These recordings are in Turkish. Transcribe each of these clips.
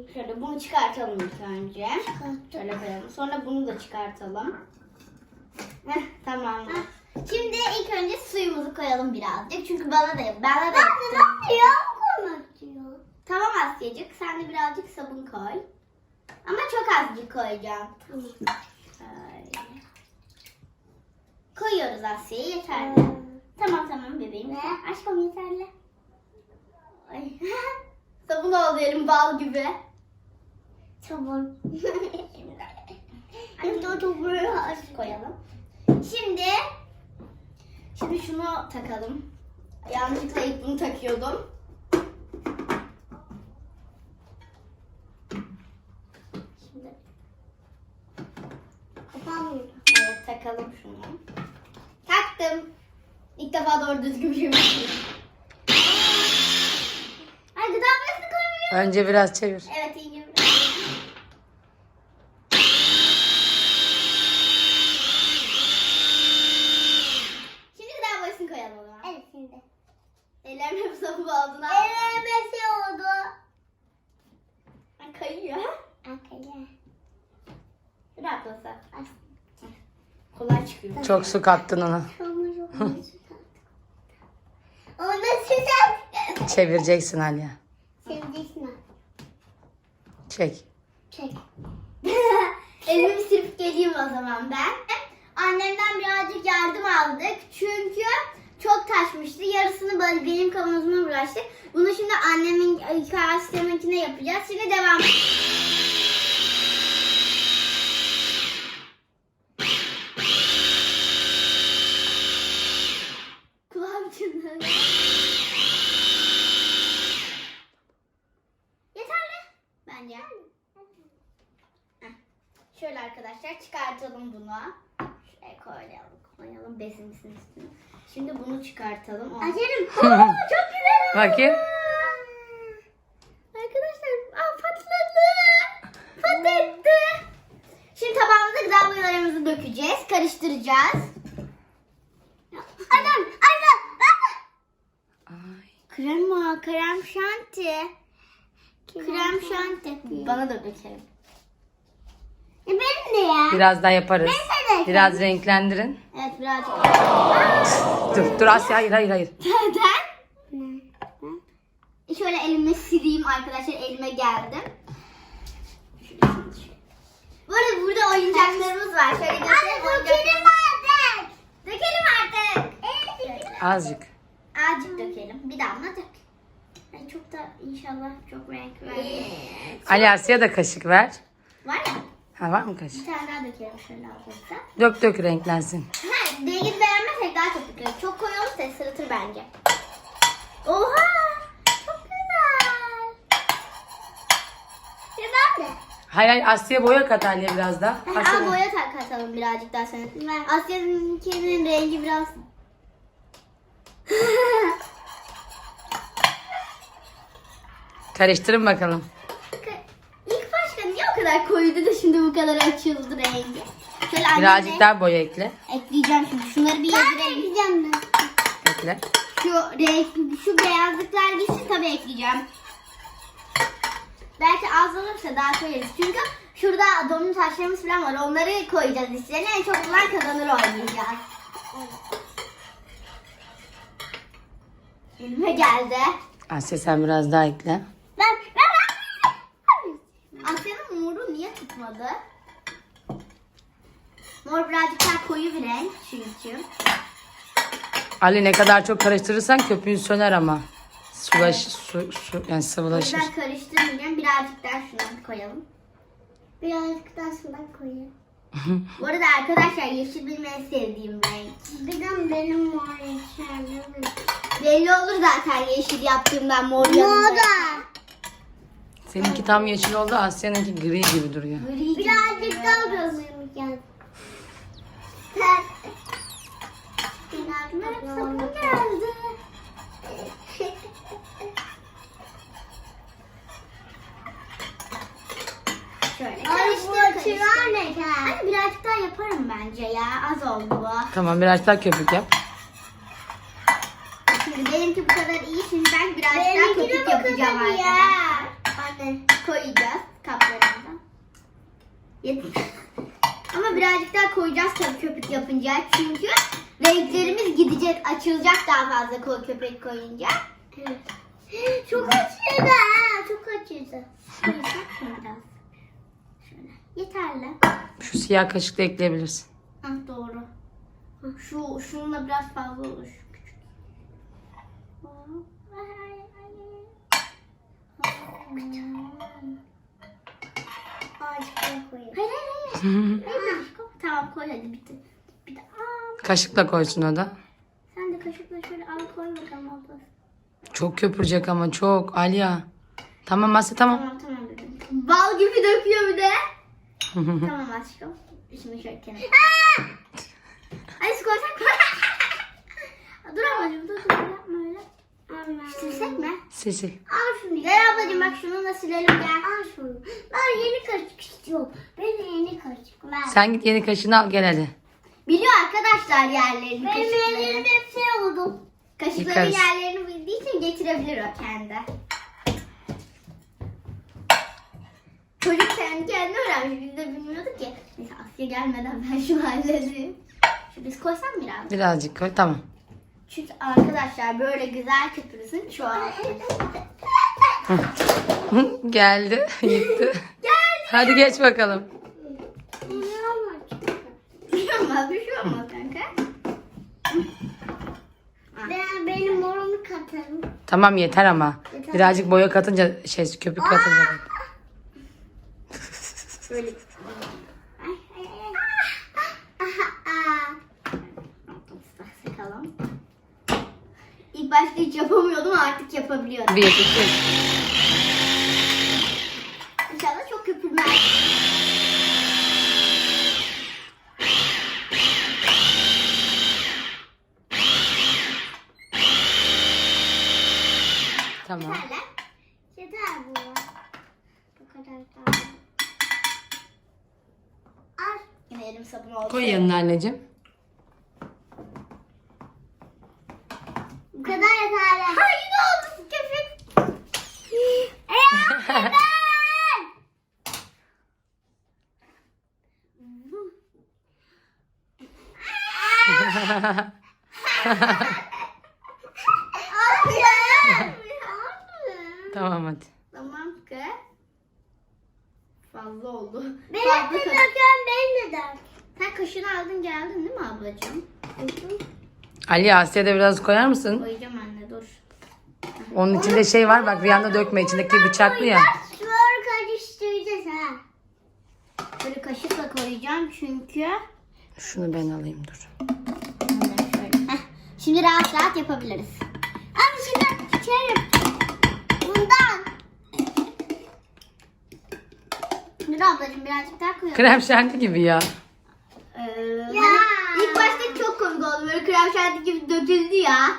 Şöyle bunu çıkartalım ilk önce. Şöyle koyalım. Sonra bunu da çıkartalım. Heh, tamam. Şimdi ilk önce suyumuzu koyalım birazcık. Çünkü bana da yaptı. Tamam Asya'cık. Sen de birazcık sabun koy. Ama çok azıcık koyacağım. Öyle. Koyuyoruz Asya'ya. Yeterli. Tamam bebeğim. Aşkım yeterli. Ay. Sabun oldu elim bal gibi. Sabun. Koyalım. Şimdi şunu takalım. Yanlışlıkla ilk bunu takıyordum. Şimdi evet, takalım şunu. Taktım. İlk defa doğru düzgün bir şey yapıyorum. Ay gıda boyasını koymuyorum. Önce biraz çevir. Evet iyice biraz. Şimdi gıda boyasını koyalım o zaman. Evet şimdi. Ellerim hep sabun oldu. Elime şey oldu. Ay kayıyor. Arkaya. Rahat olsa. Kolay çıkıyor. Çok su kattın ona. Onu sıcak. Çevireceksin Aliye. Seveceksin. Çek. Çek. Elimi sürüp geleyim o zaman ben. Annemden birazcık yardım aldık. Çünkü çok taşmıştı. Yarısını böyle benim kavanozuma bıraktık. Bunu şimdi annemin kastemekine yapacağız. Şimdi devam. Kulağım çınladı. Yeterli. Bence. Heh. Şöyle arkadaşlar çıkartalım bunu. Şuraya koyalım besimizin üstüne. Şimdi bunu çıkartalım. Açarım. Çok güzel. Bakayım. Arkadaşlar patladı. Patladı. Şimdi tabağımıza gıda boyalarımızı dökeceğiz. Karıştıracağız. Adam. Ay. Krem şanti. Krem şanti. Bana da dökelim. Benim de ya. Biraz daha yaparız. Ben de. Biraz renklendirin. Evet birazcık. Dur Asya, hayır. Neden? Şöyle elimle sileyim arkadaşlar. Elime geldim. Bu arada burada oyuncaklarımız var. Şöyle göstereyim. Dökelim artık. Dökelim artık. Evet. Azıcık. Azıcık dökelim. Bir damla dök. Yani çok da inşallah çok renk verdi. Ali Asya da kaşık ver. Var ya. Ha, var mı kaşık? Bir tane daha dökelim şöyle alırsa. Dök renklensin. Ha, rengini beğenmezsek daha çok dökelim. Çok koyu olursa sırıtır bence. Oha! Çok güzel. Güzel. Hayır Asya boya kat Aliye biraz daha. Aa, boya katalım birazcık daha sonra. Asya'nınkinin rengi biraz... Karıştırın bakalım. İlk başta niye o kadar koyuydu da şimdi bu kadar açıldı rengi? Şöyle Birazcık daha boya ekle. ekleyeceğim şimdi. Şunları bir yedireyim. Ekleyeceğim ben. Ekle. Şu beyazlıklar gitsin tabii ekleyeceğim. Belki az olursa daha koyarız. Çünkü şurada domino taşlarımız falan var. Onları koyacağız içlerine. En çok bulan kazanır oynayacağız. Elime geldi. Asya sen biraz daha ekle. Ben. Asya'nın moru niye tutmadı? Mor birazcık daha koyu bir renk çünkü. Ali ne kadar çok karıştırırsan köpüğün söner ama. Su yani O sıvılaşır. yüzden karıştırmayacağım. Birazcık daha şunu koyalım. Birazcık daha sudan koyayım. Bu arada arkadaşlar yeşil benim en sevdiğim renk. Bir de benim var içeride. Belli olur zaten yeşil yaptığımdan mor yanında. Moda. Seninki tam yeşil oldu, Asya'nınki gri gibi duruyor. Gri gibi Birazcık duruyor. daha görmeyeceğim. Sabun geldi. Şöyle Ay karıştır bu karıştır. çınar ne kadar? Hani birazcık daha yaparım bence ya. Az oldu bu. Tamam biraz daha köpük yap. Şimdi benimki bu kadar iyi. Şimdi ben birazcık daha Benimki de köpük bu yapacağım kadar iyi. arkadaşlar. Bak anne. Koyacağız kaplarımıza. Ama birazcık daha koyacağız tabii köpük yapınca. Çünkü renklerimiz gidecek, açılacak daha fazla köpük koyunca. Evet. Çok acıdı ha. Çok acıdı. Koyacak mı biraz? Şöyle. Yeterli. Şu siyah kaşıkla ekleyebilirsin. Ah, doğru. Şununla biraz fazla olur. Şu küçük. Azıcık daha koyayım. Hayır hayır hayır. Tamam koy hadi bitti. Bir de Kaşıkla koysun o da. sen de kaşıkla şöyle al koy bakalım abla. Çok köpürecek ama çok. Aliya. Tamam Asya tamam. Tamam dedim. Bal gibi döküyor bir de. Tamam aşkım. Şimdi şöyle kenara. Hadi su koysak. Dur ablacığım dur yapma öyle. Silsek mi? Sil. Al şunu. Gel ablacığım bak şunu da silelim gel. Al şunu. Ben yeni kaşık istiyorum. Ben yeni kaşık. Ver. Sen git yeni kaşığını al gel hadi. Biliyor arkadaşlar yerlerini, Benim kaşıkları. ellerim hep şey oldu. Kaşıkların Yıkarız. yerlerini bildiği için getirebilir o kendi. Çocuk kendi kendine öğrenmiş. Biz de bilmiyorduk ki. Neyse Asya gelmeden ben şunu halledeyim. Şu biz koysam biraz. Birazcık koy tamam. Çünkü arkadaşlar böyle güzel köpürüsün çoğaltın. Geldi. Gitti. Geldi. Hadi geç bakalım. Bir şey olmaz, bir şey olmaz kanka. Ben benim morumu katarım. Tamam yeter ama. Yeter. Birazcık boya katınca köpük katınca. Böyle. Ay, ay, ay. Aha, Sıkalım. İlk başta hiç yapamıyordum artık yapabiliyorum. 1, 2, İnşallah çok köpürmez. tamam. Yeterli. yeter bu. Bu kadar daha. Al. Yine elim sabun oldu. Koy yanına anneciğim. Bu kadar yeterli. Ha yine oldu köpük. Tamam hadi. Tamam ki. Fazla oldu. Benim Fazla de kaşık. döken beni de dök. Sen kaşığını aldın geldin değil mi ablacığım? Ali Asya'ya da biraz koyar mısın? Koyacağım anne dur. Onun içinde şey var bak bir anda dökme içindeki bıçaklı ya. Şunları karıştıracağız ha. Böyle kaşıkla koyacağım çünkü. Şunu ben alayım dur. Heh, şimdi rahat rahat yapabiliriz. Abi şimdi içerim. Bundan. Dur ablacığım birazcık daha koyalım. Krem şanti gibi ya. Hani ilk başta çok komik oldu. Böyle krem şanti gibi döküldü ya.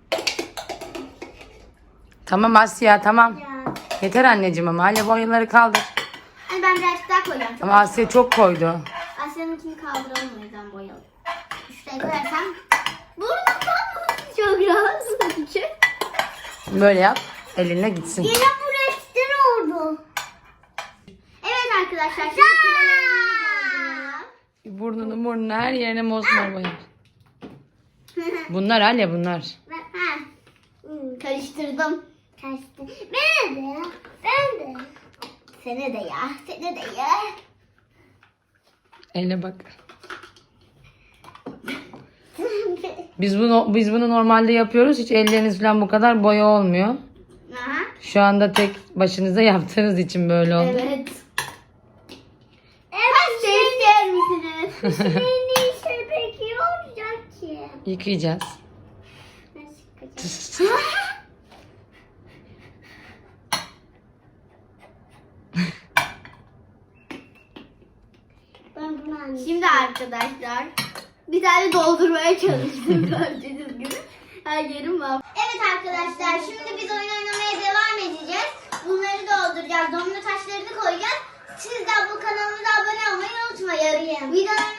Tamam Asya tamam. Ya. Yeter anneciğim ama Ali boyaları kaldır. Hani ben birazcık daha koyacağım. Çok Ama Asya çok koydu. Asya'nınkini kaldıralım o yüzden boyalım. Şuraya koyarsam burnum kalmasın çok rahatsız edici. Böyle yap. Elinle gitsin. Yine bu reçten oldu. Evet arkadaşlar şimdi kürelerimizi Burnunu her yerine mosmor boyar. Bunlar Ali bunlar. ha, karıştırdım. Kaçtı. Ben de. Ben de. Sene de ya. Sene de ya. Eline bak. Biz bunu normalde yapıyoruz. Hiç elleriniz falan bu kadar boya olmuyor. Aha. Şu anda tek başınıza yaptığınız için böyle oldu. Evet. Pasta ister misiniz? Beni ise peki olacak ki. Yıkayacağız. Nasıl çıkacak? Ben bunu anlayayım. Şimdi arkadaşlar bir tane doldurmaya çalıştım gördüğünüz gibi. Her yerim var. Evet arkadaşlar şimdi biz oyun oynamaya devam edeceğiz. Bunları dolduracağız. Domino taşlarını koyacağız. Siz de bu kanalımıza abone olmayı unutmayın. Videolarımızı